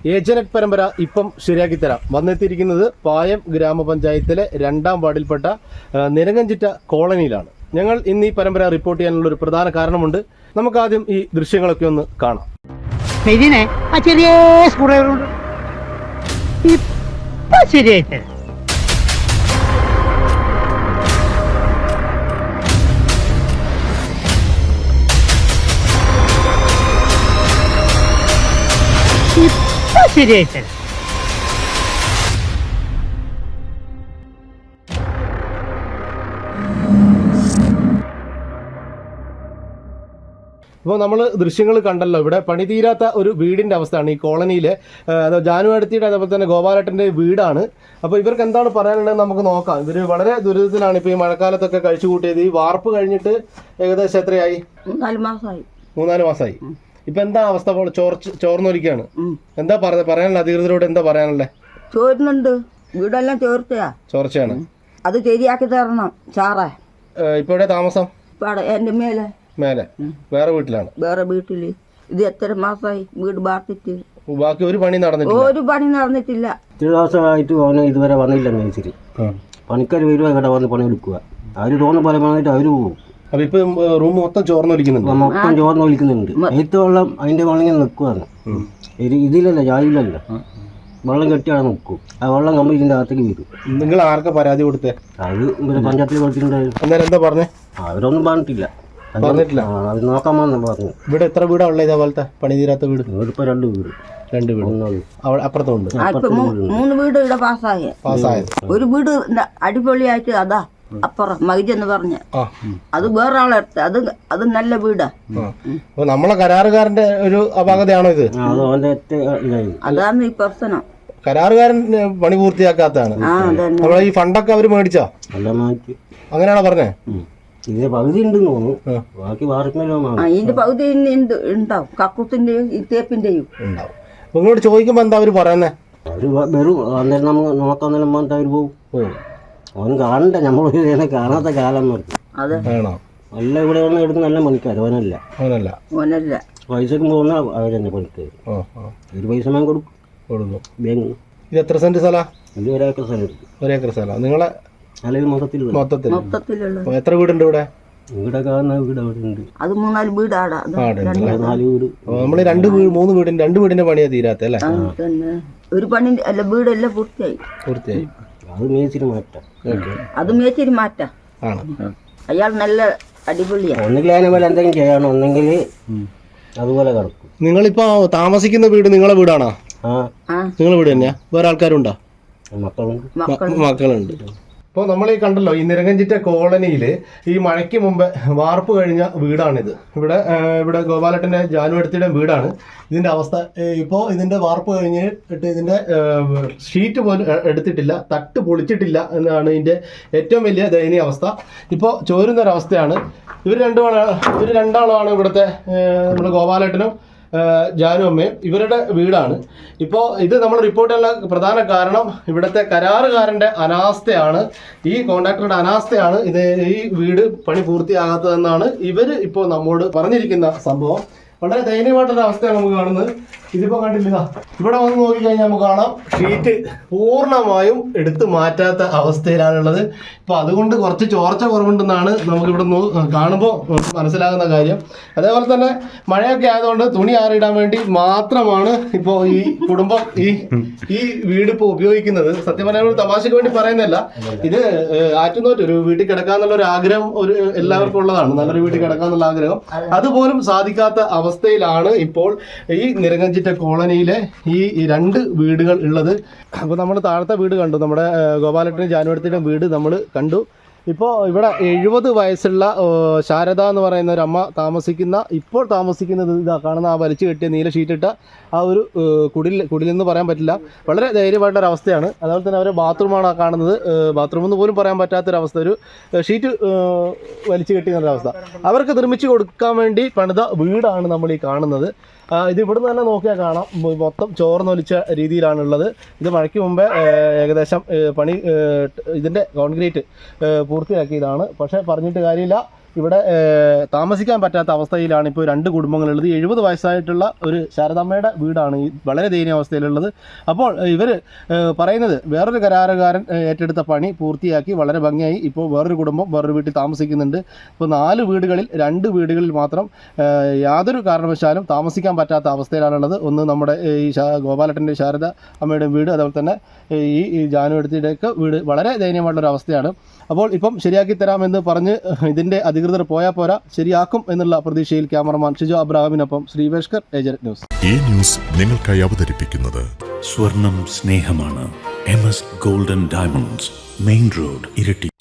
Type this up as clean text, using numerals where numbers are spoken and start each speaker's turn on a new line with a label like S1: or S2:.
S1: ഏജനറ്റ് പരമ്പര ഇപ്പം ശരിയാക്കി തരാം. വന്നെത്തിയിരിക്കുന്നത് പായം ഗ്രാമപഞ്ചായത്തിലെ 2ാം വാർഡിൽപ്പെട്ട നിരങ്ങഞ്ചിറ്റ കോളനിയിലാണ്. ഞങ്ങൾ ഇന്ന് ഈ പരമ്പര റിപ്പോർട്ട് ചെയ്യാനുള്ള ഒരു പ്രധാന കാരണമുണ്ട്. നമുക്കാദ്യം ഈ ദൃശ്യങ്ങളൊക്കെ ഒന്ന് കാണാം.
S2: ചെറിയ ശരിയായിട്ട് ശരിയായിട്ട്
S1: ഇപ്പോൾ നമ്മൾ ദൃശ്യങ്ങൾ കണ്ടല്ലോ. ഇവിടെ പണി തീരാത്ത ഒരു വീടിൻ്റെ അവസ്ഥയാണ് ഈ കോളനിയിലെ. ജാനു അടുത്തിയുടെ അതേപോലെ തന്നെ ഗോപാലേട്ടൻ്റെ വീടാണ്. അപ്പോൾ ഇവർക്ക് എന്താണ് പറയാനുള്ളത് നമുക്ക് നോക്കാം. ഇവർ വളരെ ദുരിതത്തിലാണ് ഇപ്പോൾ ഈ മഴക്കാലത്തൊക്കെ കഴിച്ചു കൂട്ടിയത്. ഈ വാർപ്പ് കഴിഞ്ഞിട്ട് ഏകദേശം എത്രയായി? 3-4 മാസമായി. ഇപ്പൊ എന്താ അവസ്ഥ? ചോർന്നൊലിക്കാണ്. എന്താ പറയാനുള്ള അധികൃതരോട് എന്താ പറയാനുള്ളത്?
S3: ചോരുന്നുണ്ട്, വീടെല്ലാം
S1: ചോർച്ചയാണ്.
S3: അത് ശരിയാക്കി തരണം സാറേ.
S1: ഇപ്പൊ എവിടെ താമസം?
S3: എന്റെ മേലെ
S1: വേറെ വീട്ടിലാണ്.
S3: വേറെ വീട്ടില്. ഇത് എത്ര മാസമായി വീട് ബാർത്തിട്ട്?
S1: ബാക്കി ഒരു പണി നടന്നിട്ടില്ല.
S4: ഇത്ര ദിവസമായിട്ട് അവന് ഇതുവരെ വന്നില്ല. മേച്ചിരി പണിക്കാർ വരുവാ, ഇവിടെ വന്ന് പണി എടുക്കുക. അവര് തോന്നുന്ന പോലെ വന്നിട്ട് അവര് പോകും.
S1: അപ്പൊ ഇപ്പൊ റൂം മൊത്തം ചോർന്നൊലിക്കുന്നുണ്ട്.
S4: മൊത്തം ചോർന്നൊലിക്കുന്നുണ്ട്. ഏറ്റവും വെള്ളം അതിന്റെ വെള്ളം നിൽക്കുവാണ്. ഇതിലല്ല, ജാതിയിലല്ല, വെള്ളം കെട്ടിയാണ് നിൽക്കും. ആ വെള്ളം നമ്മൾ ഇതിന്റെ അകത്തേക്ക് വരും.
S1: നിങ്ങൾ ആർക്കാ പരാതി കൊടുത്തേ?
S4: അത് ഇവിടെ പഞ്ചായത്തിൽ കൊടുത്തിട്ടുണ്ടായിരുന്നു.
S1: അന്നേരം എന്താ പറഞ്ഞേ?
S4: അവരൊന്നും പറഞ്ഞിട്ടില്ല. അത് നോക്കാമെന്ന് പറഞ്ഞു.
S1: ഇവിടെ എത്ര വീടാ ഉള്ളത് ഇതേപോലത്തെ പണി തീരാത്ത വീട്?
S4: ഇപ്പൊ 2 വീട്.
S1: 2 വീട് അപ്പുറത്തുണ്ട്.
S3: 3 വീട് ഇവിടെ പാസ്സായത്. ഒരു വീട് അടിപൊളിയായിട്ട് അതാ അപ്പുറം മൈജ് എന്ന് പറഞ്ഞ അത് വേറെ ആളെടുത്ത്. അത് നല്ല വീടാ.
S1: നമ്മളെ കരാറുകാരന്റെ ഒരു അപാകതയാണോ ഇത്?
S3: അതാണ് ഈ പ്രശ്നം.
S1: കരാറുകാരൻ പണി പൂർത്തിയാക്കാത്തതാണ്. നമ്മളെ ഈ ഫണ്ടൊക്കെ അവര് മേടിച്ചോ? അങ്ങനെയാണോ പറഞ്ഞേ?
S4: ഇതിന്റെ പകുതി ഉണ്ടെന്ന് തോന്നുന്നു. ബാക്കി
S3: ഇതിന്റെ പകുതി ഉണ്ടാവും. കക്കൂസിന്റെയും ഈ തേപ്പിന്റെയും
S1: ഉണ്ടാവും. നിങ്ങളോട് ചോദിക്കുമ്പോ എന്താ അവര് പറയുന്നേ?
S4: അവര് വരും. അന്നേരം നമുക്ക് നോക്കാന്നേരം പറഞ്ഞിട്ട് അവര് പോകും. അവൻ കാണണ്ട, നമ്മൾ കാണാത്ത കാലം നല്ല ഇവിടെ വന്ന് എടുത്ത് നല്ല പണിക്കാർ. അവനല്ല പൈസക്ക് പോകുന്ന അവരെന്നെ പണിക്കാർ. ഒരു പൈസ ഞാൻ കൊടുക്കും ബാങ്ക്.
S1: ഇത് എത്ര സെന്റ് സ്ഥല?
S4: ഇത് 1 ഏക്കർ സ്ഥലം എടുക്കും.
S1: 1 ഏക്കർ സ്ഥലം നിങ്ങളെ
S4: അല്ലെങ്കിൽ മൊത്തത്തിൽ
S1: എത്ര വീടുണ്ട് ഇവിടെ?
S4: ഇവിടെ കാണുന്ന വീട് അവിടെ ഉണ്ട്.
S3: അത് 3-4 വീടാടാ.
S4: 4 വീട്.
S1: നമ്മള് 2 വീടിന്റെ പണിയാ തീരാത്ത അല്ലേ?
S3: ഒരു പണി അല്ല, വീടെല്ലാം പൂർത്തിയായി.
S4: അത് മേച്ചിരി മാറ്റാം.
S3: അത് മേച്ചിരി മാറ്റാം. അയാൾ നല്ല അടിപൊളിയാ.
S4: ഒന്നുകിൽ അതിനെ പോലെ എന്തെങ്കിലും ചെയ്യണം, ഒന്നെങ്കിൽ അതുപോലെ കിടക്കും.
S1: നിങ്ങളിപ്പോ താമസിക്കുന്ന വീട് നിങ്ങളെ വീടാണോ? നിങ്ങളെ വീട് തന്നെയാ? വേറെ ആൾക്കാരുണ്ടോ? മക്കളുണ്ട്. ഇപ്പോൾ നമ്മൾ ഈ കണ്ടല്ലോ, ഈ നിരങ്ങഞ്ചിറ്റ കോളനിയിൽ ഈ മഴയ്ക്ക് മുമ്പ് വാർപ്പ് കഴിഞ്ഞ വീടാണിത്. ഇവിടെ ഗോപാലേട്ടൻ്റെ ജാനു അടുത്തിയുടെ വീടാണ്. ഇതിൻ്റെ അവസ്ഥ ഇപ്പോൾ ഇതിൻ്റെ വാർപ്പ് കഴിഞ്ഞിട്ട് ഇതിൻ്റെ ഷീറ്റ് പോലും എടുത്തിട്ടില്ല, തട്ട് പൊളിച്ചിട്ടില്ല എന്നാണ് ഇതിൻ്റെ ഏറ്റവും വലിയ ദയനീയ അവസ്ഥ. ഇപ്പോൾ ചോരുന്നൊരവസ്ഥയാണ്. ഇവർ രണ്ടാളാണ് ഇവിടുത്തെ നമ്മുടെ ഗോപാലേട്ടനും ജാനു അമ്മയും. ഇവരുടെ വീടാണ്. ഇപ്പോൾ ഇത് നമ്മൾ റിപ്പോർട്ട് ചെയ്യാനുള്ള പ്രധാന കാരണം ഇവിടുത്തെ കരാറുകാരൻ്റെ അനാസ്ഥയാണ്. ഈ കോൺട്രാക്ടറുടെ അനാസ്ഥയാണ് ഈ വീട് പണി പൂർത്തിയാകാത്തതെന്നാണ് ഇവർ ഇപ്പോൾ നമ്മോട് പറഞ്ഞിരിക്കുന്ന സംഭവം. വളരെ ദയനീയമായിട്ടൊരു അവസ്ഥയാണ് നമുക്ക് കാണുന്നത്. ഇതിപ്പോൾ കണ്ടില്ല, ഇവിടെ വന്ന് നോക്കിക്കഴിഞ്ഞാൽ നമുക്ക് കാണാം ഷീറ്റ് പൂർണ്ണമായും എടുത്തു മാറ്റാത്ത അവസ്ഥയിലാണുള്ളത്. ഇപ്പോൾ അതുകൊണ്ട് കുറച്ച് ചോർച്ച കുറവുണ്ടെന്നാണ് നമുക്കിവിടെ കാണുമ്പോൾ മനസ്സിലാകുന്ന കാര്യം. അതേപോലെ തന്നെ മഴയൊക്കെ ആയതുകൊണ്ട് തുണി ആറിയിടാൻ വേണ്ടി മാത്രമാണ് ഇപ്പോൾ ഈ കുടുംബം ഈ വീട് ഇപ്പോൾ ഉപയോഗിക്കുന്നത്. സത്യം പറഞ്ഞാൽ ഒരു തമാശയ്ക്ക് വേണ്ടി പറയുന്നതല്ല. ഇത് ആറ്റുനോറ്റ് ഒരു വീട്ടിൽ കിടക്കാന്നുള്ള ഒരു ആഗ്രഹം എല്ലാവർക്കും ഉള്ളതാണ്. നല്ലൊരു വീട്ടിൽ കിടക്കാന്നുള്ള ആഗ്രഹം. അതുപോലും സാധിക്കാത്ത അവസ്ഥയിലാണ് ഇപ്പോൾ ഈ നിരങ്ങഞ്ചിറ്റ കോളനിയിലെ ഈ 2 വീടുകൾ ഉള്ളത്. അപ്പോൾ നമ്മൾ താഴത്തെ വീട് കണ്ടു, നമ്മുടെ ഗോപാലേട്ടനും ജാനുവടുത്തിൻ്റെ വീട് നമ്മൾ കണ്ടു. ഇപ്പോൾ ഇവിടെ 70 വയസ്സുള്ള ശാരദ എന്ന് പറയുന്ന ഒരു അമ്മ ഇപ്പോൾ താമസിക്കുന്നത് ഇതാ കാണുന്ന ആ വലിച്ചു കെട്ടിയ നീല ഷീറ്റിട്ട ആ ഒരു കുടിലെന്ന് പറയാൻ പറ്റില്ല. വളരെ ധൈര്യമായിട്ടൊരു അവസ്ഥയാണ്. അതുപോലെ തന്നെ അവരെ ബാത്റൂമാണ് കാണുന്നത്. ബാത്റൂമെന്ന് പോലും പറയാൻ പറ്റാത്തൊരവസ്ഥ. ഒരു ഷീറ്റ് വലിച്ചു കെട്ടിയെന്നൊരവസ്ഥ. അവർക്ക് നിർമ്മിച്ച് കൊടുക്കാൻ വേണ്ടി പണിത വീടാണ് നമ്മൾ ഈ കാണുന്നത്. ഇത് ഇവിടുന്ന് തന്നെ നോക്കിയാൽ കാണാം, മൊത്തം ചോർന്നൊലിച്ച രീതിയിലാണുള്ളത്. ഇത് മഴയ്ക്ക് മുമ്പേ ഏകദേശം ഇതിൻ്റെ കോൺക്രീറ്റ് പൂർത്തിയാക്കിയതാണ്. പക്ഷേ പറഞ്ഞിട്ട് കാര്യമില്ല, ഇവിടെ താമസിക്കാൻ പറ്റാത്ത അവസ്ഥയിലാണ് ഇപ്പോൾ 2 കുടുംബങ്ങളുള്ളത്. 70 വയസ്സായിട്ടുള്ള ഒരു ശാരദാമ്മയുടെ വീടാണ് ഈ വളരെ ദയനീയാവസ്ഥയിലുള്ളത്. അപ്പോൾ ഇവർ പറയുന്നത് വേറൊരു കരാറുകാരൻ ഏറ്റെടുത്ത പണി പൂർത്തിയാക്കി വളരെ ഭംഗിയായി ഇപ്പോൾ വേറൊരു കുടുംബം വേറൊരു വീട്ടിൽ താമസിക്കുന്നുണ്ട്. ഇപ്പോൾ 4 വീടുകളിൽ 2 വീടുകളിൽ മാത്രം യാതൊരു കാരണവശാലും താമസിക്കാൻ പറ്റാത്ത അവസ്ഥയിലാണുള്ളത്. ഒന്ന് നമ്മുടെ ഈ ഗോപാലട്ടൻ്റെ ശാരദ അമ്മയുടെ വീട്, അതുപോലെ തന്നെ ഈ ജാനുവടുത്തിയുടെയൊക്കെ വീട് വളരെ ദയനീയമായിട്ടുള്ളൊരു അവസ്ഥയാണ്. അപ്പോൾ ഇപ്പം ശരിയാക്കി തരാമെന്ന് പറഞ്ഞ് ഇതിൻ്റെ അധികൃതർ പോയാൽ പോരാ, ശരിയാക്കും എന്നുള്ള പ്രതീക്ഷയിൽ ക്യാമറമാൻ ഷിജോ അബ്രാഹാമിനൊപ്പം ശ്രീവേഷ്കർ, ഏജന്റ് ന്യൂസ്.
S5: ഈ ന്യൂസ് നിങ്ങൾക്കായി അവതരിപ്പിക്കുന്നത്
S6: സ്വർണം സ്നേഹമാണ്. MS golden diamonds, main road, Iritty.